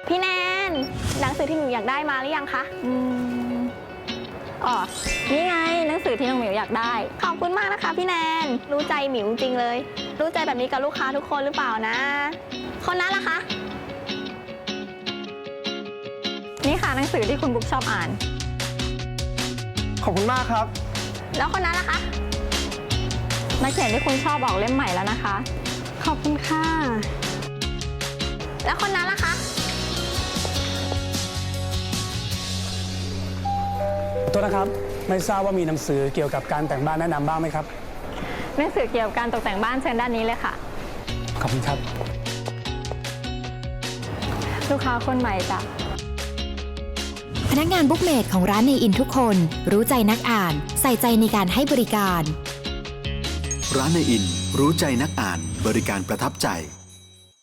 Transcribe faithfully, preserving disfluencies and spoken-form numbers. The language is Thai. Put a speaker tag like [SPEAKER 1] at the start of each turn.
[SPEAKER 1] พี่แนนหนังสือที่หมิวอยากได้มาหรือยังคะอืมอ๋อนี่ไงหนังสือที่น้องหมิวอยากได้ขอบคุณมากนะคะพี่แนนรู้ใจหมิวจริงเลยรู้ใจแบบนี้กับลูกค้าทุกคนหรือเปล่านะคนนั้นล่ะคะนี่ค่ะหนังสือที่คุณบุ๊กชอบอ่าน
[SPEAKER 2] ขอบคุณมากครับ
[SPEAKER 1] แล้วคนนั้นล่ะคะนักเขียนที่คุณชอบออกเล่มใหม่แล้วนะคะขอบคุณค่ะแล้วคนนั้นล่ะคะ
[SPEAKER 2] โทษนะครับไม่ทราบว่ามีหนังสือเกี่ยวกับการแต่งบ้านแนะนำบ้างไหมครับ
[SPEAKER 1] หนังสือเกี่ยวกับการตกแต่งบ้านเชิญด้านนี้เลยค่ะ
[SPEAKER 2] ขอบคุณครับ
[SPEAKER 1] ลูกค้าคนใหม่จ้ะ
[SPEAKER 3] พนักงานบุ๊กเมดของร้านเนอินทุกคนรู้ใจนักอ่านใส่ใจในการให้บริการ
[SPEAKER 4] ร้านเนอินรู้ใจนักอ่านบริการประทับใจ